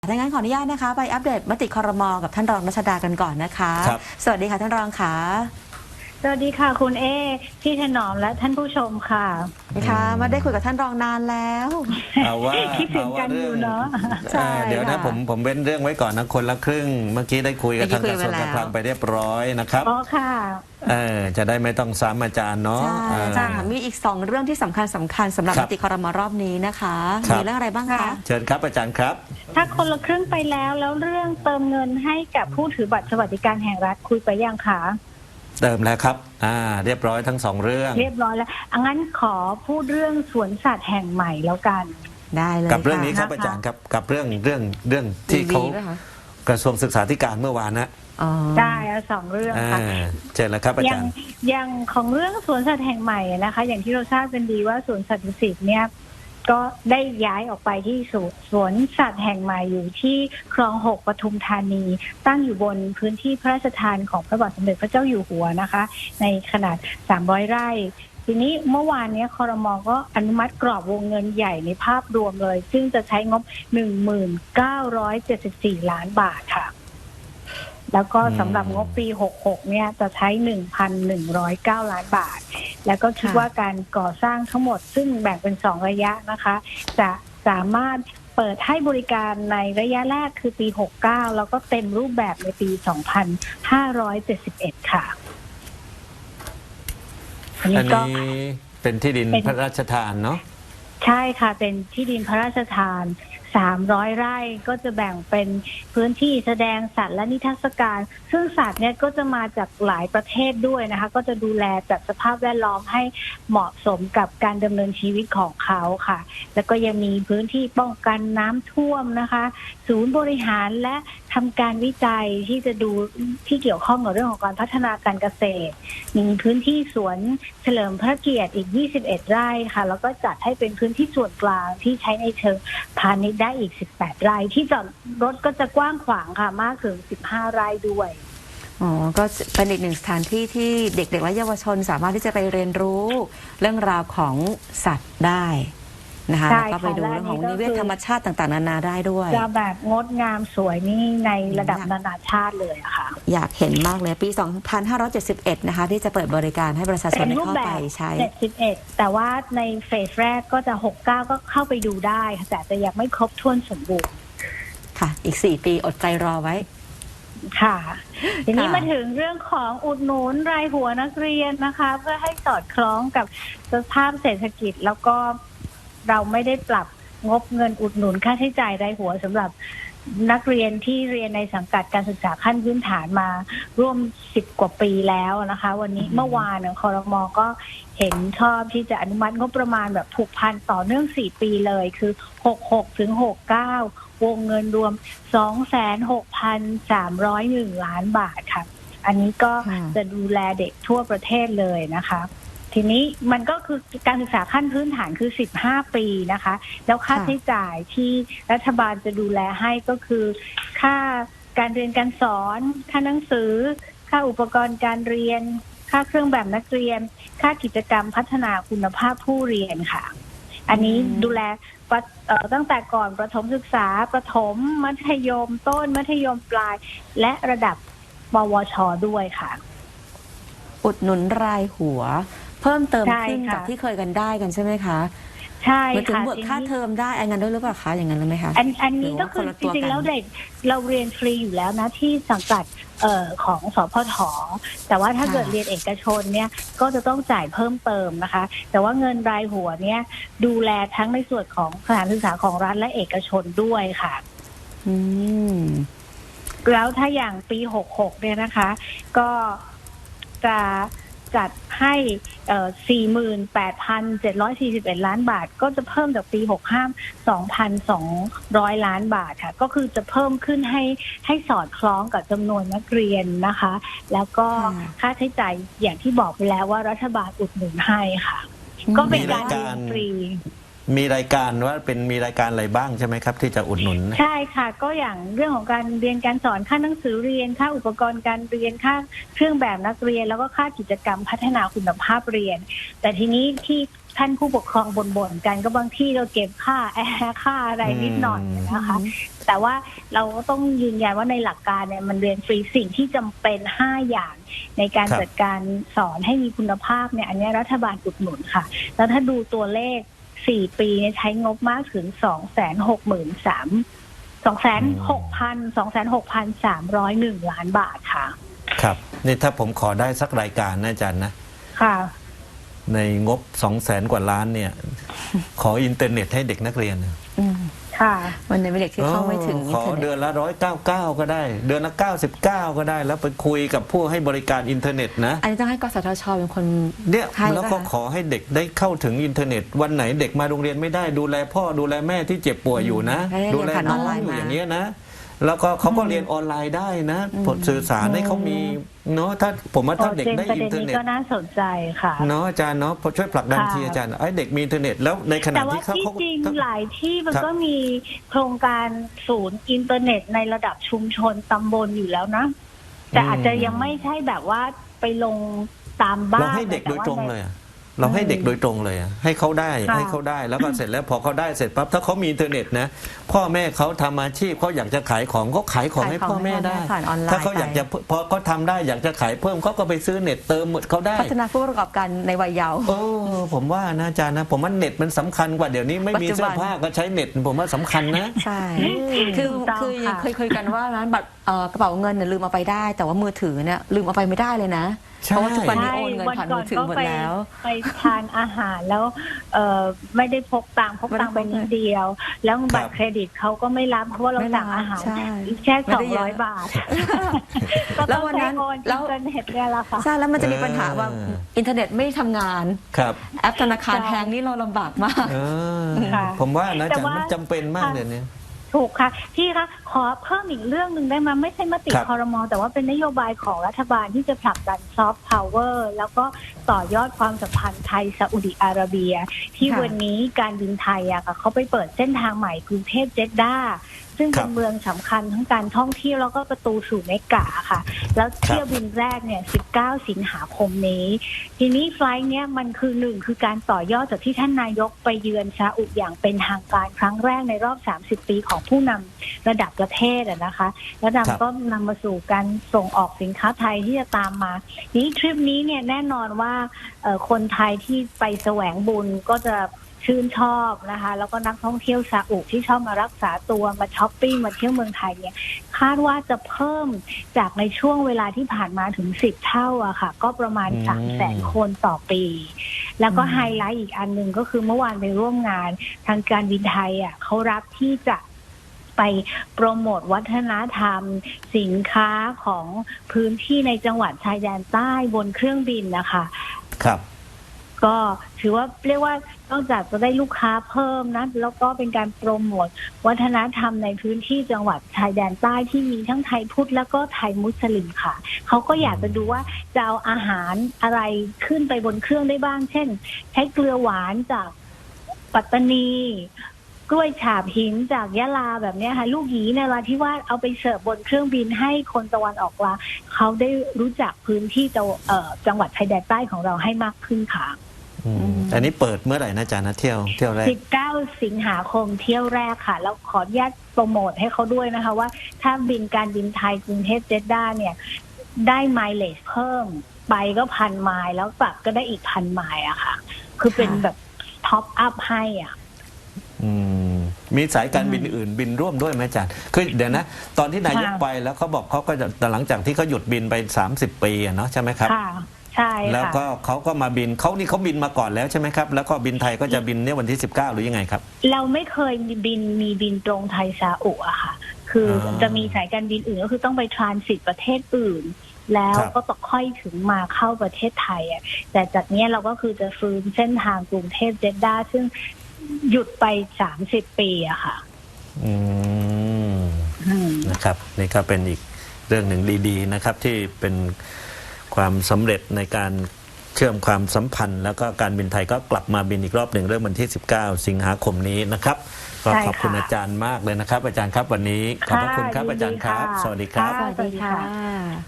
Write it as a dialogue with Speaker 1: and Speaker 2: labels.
Speaker 1: ดังนั้นขออนุญาตนะคะไปอัปเดตมติครม.กับท่านรองรัชดากันก่อนนะคะสวัสดีค่ะท่านรองค่ะ
Speaker 2: สวัสดีค่ะคุณเอพี่ถนอมและท่านผู้ชมค่ะ
Speaker 1: ค่ะมาได้คุยกับท่านรองนานแล้ว
Speaker 3: เอาว่า
Speaker 2: คิดถึงกันอยู่เนาะ
Speaker 3: เดี๋ยวนะผมเว้นเรื่องไว้ก่อนนะคนละครึ่งเมื่อกี้ได้คุยกับทางกระทรวงการคลังไปเรียบร้อยนะครับ
Speaker 2: อ๋อค่ะ
Speaker 3: จะได้ไม่ต้องซ้ำอาจารย์เนาะ
Speaker 1: ใช่ค่ะมีอีก2เรื่องที่สำคัญสำหรับมติครม.รอบนี้นะคะมีเรื่องอะไรบ้างคะ
Speaker 3: เชิญครับอาจารย์ครับ
Speaker 2: ถ้าคนละครึ่งไปแล้วเรื่องเติมเงินให้กับผู้ถือบัตรสวัสดิการแห่งรัฐคุยไปยังคะ
Speaker 3: เติมแล้วครับเรียบร้อยทั้ง2เรื่อง
Speaker 2: เรียบร้อยแล้วงั้นขอพูดเรื่องสวนสัตว์แห่งใหม่แล้วกัน
Speaker 1: ได้เลย
Speaker 3: กับเรื่องนี้ครับอาจารย์ครับกับเรื่องที่เขากระทรวงศึกษาธิการเมื่อวานนะ
Speaker 2: ได้2เรื่องค่ะ
Speaker 3: เชิญแล้วครับอาจารย์
Speaker 2: อย่างของเรื่องสวนสัตว์แห่งใหม่นะคะอย่างที่เราทราบกันดีว่าสวนสัตว์ดุสิตเนี่ยก็ได้ย้ายออกไปที่สวนสัตว์แห่งใหม่อยู่ที่คลอง6ปทุมธานีตั้งอยู่บนพื้นที่พระราชทานของพระบาทสมเด็จพระเจ้าอยู่หัวนะคะในขนาด300ไร่ทีนี้เมื่อวานนี้ครม.ก็อนุมัติกรอบวงเงินใหญ่ในภาพรวมเลยซึ่งจะใช้งบ 1974 ล้านบาทค่ะแล้วก็สำหรับงบปี66เนี่ยจะใช้ 1,109 ล้านบาทแล้วก็คิดว่าการก่อสร้างทั้งหมดซึ่งแบ่งเป็น2ระยะนะคะจะสามารถเปิดให้บริการในระยะแรกคือปี69แล้วก็เต็มรูปแบบในปี 2571 ค่ะ
Speaker 3: อันนี้เป็นที่ดินพระราชทานเนาะ
Speaker 2: ใช่ค่ะเป็นที่ดินพระราชทาน300 ไร่ก็จะแบ่งเป็นพื้นที่แสดงสัตว์และนิทรรศการซึ่งสัตว์เนี่ยก็จะมาจากหลายประเทศด้วยนะคะก็จะดูแลจัดสภาพแวดล้อมให้เหมาะสมกับการดำเนินชีวิตของเขาค่ะแล้วก็ยังมีพื้นที่ป้องกันน้ำท่วมนะคะศูนย์บริหารและทำการวิจัยที่จะดูที่เกี่ยวข้องกับเรื่องของการพัฒนาการเกษตรมีพื้นที่สวนเฉลิมพระเกียรติอีก21 ไร่ค่ะแล้วก็จัดให้เป็นพื้นที่ส่วนกลางที่ใช้ในเชิงพาณิชย์ได้อีก18 ไร่ที่จอดรถก็จะกว้างขวางค่ะมากถึง15 ไร่ด้วย
Speaker 1: ก็เป็นอีกหนึ่งสถานที่ที่เด็กๆและเยาวชนสามารถที่จะไปเรียนรู้เรื่องราวของสัตว์ได้นะคะแล้วก็ไปดูเรื่องของนิเวศธรรมชาติต่างๆนานาได้ด้วย
Speaker 2: จะแบบงดงามสวยนี่ในระดับนานาชาติเลยค่ะ
Speaker 1: อยากเห็นมากเลยปี 2571 นะคะที่จะเปิดบริการให้ประชาชนเข้าไปใช้
Speaker 2: 71แต่ว่าในเฟสแรกก็จะ69ก็เข้าไปดูได้แต่จะยังไม่ครบถ้วนสมบูรณ์
Speaker 1: ค่ะอีก4 ปีอดใจรอไว้
Speaker 2: ค่ะทีนี้มาถึงเรื่องของอุดหนุนรายหัวนักเรียนนะคะเพื่อให้สอดคล้องกับสภาพเศรษฐกิจแล้วก็เราไม่ได้ปรับงบเงินอุดหนุนค่าใช้จ่ายรายหัวสำหรับนักเรียนที่เรียนในสังกัดการศึกษาขั้นพื้นฐานมาร่วม10 กว่าปีแล้วนะคะวันนี้เมื่อวานครม.ก็เห็นชอบที่จะอนุมัติงบประมาณแบบผูกพันต่อเนื่อง4 ปีเลยคือ66ถึง69วงเงินรวม 26,301 ล้านบาทค่ะอันนี้ก็จะดูแลเด็กทั่วประเทศเลยนะคะทีนี้มันก็คือการศึกษาขั้นพื้นฐานคือ15 ปีนะคะแล้วค่าใช้จ่ายที่รัฐบาลจะดูแลให้ก็คือค่าการเรียนการสอนค่าหนังสือค่าอุปกรณ์การเรียนค่าเครื่องแบบนักเรียนค่ากิจกรรมพัฒนาคุณภาพผู้เรียนค่ะอันนี้ดูแลตั้งแต่ก่อนประถมศึกษาประถมมัธยมต้นมัธยมปลายและระดับปวช.ด้วยค่ะ
Speaker 1: อุดหนุนรายหัวเพิ่มเติมขึ้นจากที่เคยกันได้กันใช่ไหมคะ
Speaker 2: ใช่ค่ะ
Speaker 1: ถึงบวกค่าเทอมได้อันนั้นด้วยหรือเปล่าคะอย่างนั้นหรือไม่คะ
Speaker 2: อันนี้ก็คือจริงๆแล้วเด็กเราเรียนฟรีอยู่แล้วนะที่สังกัดของสพท.แต่ว่าถ้าเกิดเรียนเอกชนเนี่ยก็จะต้องจ่ายเพิ่มเติมนะคะแต่ว่าเงินรายหัวเนี่ยดูแลทั้งในส่วนของสถานศึกษาของรัฐและเอกชนด้วยค่ะแล้วถ้าอย่างปี66เนี่ยนะคะก็จะจัดให้ 48,741 ล้านบาทก็จะเพิ่มจากปี65 2,200 ล้านบาทค่ะก็คือจะเพิ่มขึ้นให้สอดคล้องกับจำนวนนักเรียนนะคะแล้วก็ค่าใช้จ่ายอย่างที่บอกไปแล้วว่ารัฐบาลอุดหนุนให้ค่ะก็เป็นการเรียนฟรี
Speaker 3: มีรายการว่ามีรายการอะไรบ้างใช่ไหมครับ ที่จะอุดหนุน
Speaker 2: ใช่ค่ะก็อย่างเรื่องของการเรียนการสอนค่าหนังสือเรียนค่าอุปกรณ์การเรียนค่าเครื่องแบบนักเรียนแล้วก็ค่ากิจกรรมพัฒนาคุณภาพเรียน แต่ทีนี้ที่ท่านผู้ปกครองบ่นๆกันก็บางที่เราเก็บค่าแอร์ค่าอะไรนิดหน่อยนะคะแต่ว่าเราก็ต้องยืนยันว่าในหลักการเนี่ยมันเรียนฟรีสิ่งที่จำเป็น5อย่างในการจัดการสอนให้มีคุณภาพเนี่ยอันนี้รัฐบาลอุดหนุนค่ะแล้วถ้าดูตัวเลข4 ปีเนี่ยใช้งบมากถึง261,301 ล้านบาทค่ะ
Speaker 3: ครับนี่ถ้าผมขอได้สักรายการนะอาจารย์นะ
Speaker 2: ค่ะ
Speaker 3: ในงบ200,000 กว่าล้านเนี่ย ขออินเทอร์เน็ตให้เด็กนักเรียน
Speaker 2: ค่ะ
Speaker 1: วันนี้เด็กที่เข้าไม่ถึง
Speaker 3: ขอเดือนละ199ก็ได้เดือนละ99ก็ได้แล้วไปคุยกับผู้ให้บริการอินเทอร์เน็ตนะ
Speaker 1: อันนี้ต้องให้กสทชเป็นคน
Speaker 3: เนี่ยแล้วก็ขอให้เด็กได้เข้าถึงอินเทอร์เน็ตวันไหนเด็กมาโรงเรียนไม่ได้ดูแลพ่อดูแลแม่ที่เจ็บป่วยอยู่นะดูแลน้องอยู่อย่างเงี้ยนะแล้วก็เขาก็เรียนออนไลน์ได้นะผลสื่อสารให้เขามีเนาะถ้าผมว่าถ้าเด็กได้อินเทอร์เน็ต
Speaker 2: ก็น่าสนใจค่ะ
Speaker 3: เนาะอาจารย์เนาะพอช่วยผลักดันทีอาจารย์ไอ้เด็กมีอินเทอร์เน็ตแล้วในขณะที่เขา
Speaker 2: จริงหลายที่มันก็มีโครงการศูนย์อินเทอร์เน็ตในระดับชุมชนตำบลอยู่แล้วนะแต่อาจจะยังไม่ใช่แบบว่าไปลงตามบ้าน
Speaker 3: เราให้เด็กโดยตรงเลยเราให้เด็กโดยตรงเลยให้เขาได้แล้วก็เสร็จแล้วพอเขาได้เสร็จปั๊บถ้าเขามีอินเทอร์เน็ตนะพ่อแม่เขาทำอาชีพเขาอยากจะขายของก็ขายของให้พ่อแม่ได้ถ้าเขาอยากจะพอเขาทำได้อยากจะขายเพิ่มเขาก็ไปซื้อเน็ตเติมเขาได้
Speaker 1: พัฒนาผู้ประกอบการในวัยเยาว์
Speaker 3: ผมว่านะอาจารย์นะผมว่าเน็ตมันสำคัญกว่าเดี๋ยวนี้ไม่มีเสื้อผ้าก็ใช้เน็ตผมว่าสำคัญนะ
Speaker 1: ใช่คือเคยคุยกันว่านั้นบัตรกระเป๋าเงินเนี่ยลืมเอาไปได้แต่ว่ามือถือเนี่ยลืมเอาไปไม่ได้เลยนะเพราะว่าทุกวันนี้โอนเงินผ่านมือถือหมดแล้ว
Speaker 2: ไปทานอาหารแล้วไม่ได้พกตังค์ไปนิดเดียวแล้วบัตรเครดิตเขาก็ไม่รับเพราะว่าเราสั่งอาหารแค่200 บาท
Speaker 1: แล้ววันนั้น
Speaker 2: แล้วอินเทอร์เน็ตเนี่ยละค่ะ
Speaker 1: ใช่แล้วมันจะมีปัญหาว่าอินเทอร์เน็ตไม่ทำงานแอปธนาคารแพงนี่เราลำบากมาก
Speaker 3: ผมว่านะจ๊ะมันจำเป็นมากเลยเนี่ย
Speaker 2: ถูกค่ะพี่คะขอเพิ่มอีกเรื่องหนึ่งได้ไหมไม่ใช่มติครม.แต่ว่าเป็นนโยบายของรัฐบาลที่จะผลักดันซอฟต์พาวเวอร์แล้วก็ต่อยอดความสัมพันธ์ไทยซาอุดิอาระเบียที่วันนี้การบินไทยอะค่ะเขาไปเปิดเส้นทางใหม่กรุงเทพเจดด้าซึ่งเป็นเมืองสำคัญทั้งการท่องเที่ยวแล้วก็ประตูสู่เมกะค่ะแล้วเที่ยวบินแรกเนี่ย19 สิงหาคมนี้ทีนี้ไฟล์เนี้ยมันคือ1คือการต่อยอดจากที่ท่านนายกไปเยือนซาอุอย่างเป็นทางการครั้งแรกในรอบ30 ปีของผู้นำระดับประเทศนะคะแล้วก็นำมาสู่การส่งออกสินค้าไทยที่จะตามมานี้ทริปนี้เนี่ยแน่นอนว่าคนไทยที่ไปแสวงบุญก็จะชื่นชอบนะคะแล้วก็นักท่องเที่ยวซาอุที่ชอบมารักษาตัวมาช้อปปิ้งมาเที่ยวเมืองไทยเนี่ยคาดว่าจะเพิ่มจากในช่วงเวลาที่ผ่านมาถึง10 เท่าอะค่ะก็ประมาณ300,000 คนต่อปีแล้วก็ไฮไลท์อีกอันหนึ่งก็คือเมื่อวานไปร่วมงานทางการบินไทยอะเขารับที่จะไปโปรโมทวัฒนธรรมสินค้าของพื้นที่ในจังหวัดชายแดนใต้บนเครื่องบินนะคะ
Speaker 3: ครับ
Speaker 2: ก็ถือว่าเรียกว่านอกจากจะได้ลูกค้าเพิ่มนะแล้วก็เป็นการโปรโมทวัฒนธรรมในพื้นที่จังหวัดชายแดนใต้ที่มีทั้งไทยพุทธแล้วก็ไทยมุสลิมค่ะเขาก็อยากจะดูว่าจะเอาอาหารอะไรขึ้นไปบนเครื่องได้บ้างเช่นใช้เกลือหวานจากปัตตานีกล้วยฉาบหินจากยะลาแบบนี้ค่ะลูกหยีในราธิวาสเอาไปเสิร์ฟบนเครื่องบินให้คนตะวันออกกลางเขาได้รู้จักพื้นที่จังหวัดชายแดนใต้ของเราให้มากขึ้นค่ะ
Speaker 3: อันนี้เปิดเมื่อไหร่นะอาจารย์นะเที่ยวแรก
Speaker 2: 19 สิงหาคมเที่ยวแรกค่ะแล้วขออนุญาตโปรโมทให้เขาด้วยนะคะว่าถ้าการบินไทยกรุงเทพเจดด้าเนี่ยได้ไมล์เลจเพิ่มไปก็1,000 ไมล์แล้วกลับก็ได้อีก1,000 ไมล์อะค่ะคือเป็นแบบท็อปอัพให้อ่ะ
Speaker 3: มีสายการบินอื่นบินร่วมด้วยไหมอาจารย์คือเดี๋ยวนะตอนที่นายกไปแล้วเขาบอกเขาก็จะหลังจากที่เขาหยุดบินไป30 ปีเนาะใช่ไหมครับ
Speaker 2: ใช่
Speaker 3: แล้วก็เขาก็มาบินเขาบินมาก่อนแล้วใช่ไหมครับแล้วก็บินไทยก็จะบินเนี่ยวันที่19หรือยังไงครับ
Speaker 2: เราไม่เคยมีบินตรงไทยซาอุอะค่ะคือจะมีสายการบินอื่นก็คือต้องไปทรานสิตประเทศอื่นแล้วก็ต้องค่อยถึงมาเข้าประเทศไทยอะแต่จากนี้เราก็คือจะฟื้นเส้นทางกรุงเทพเจดด้าซึ่งหยุดไป30 ปีอะค่ะ
Speaker 3: นะครับนี่ก็เป็นอีกเรื่องหนึ่งดีๆนะครับที่เป็นความสำเร็จในการเชื่อมความสัมพันธ์แล้วก็การบินไทยก็กลับมาบินอีกรอบหนึ่งเริ่มวันที่ 19 สิงหาคมนี้นะครับก็ขอบคุณอาจารย์มากเลยนะครับอาจารย์ครับวันนี้ขอบพระคุณครับอาจารย์ครับสวัสดีครับ
Speaker 1: สวัสดีค่ะ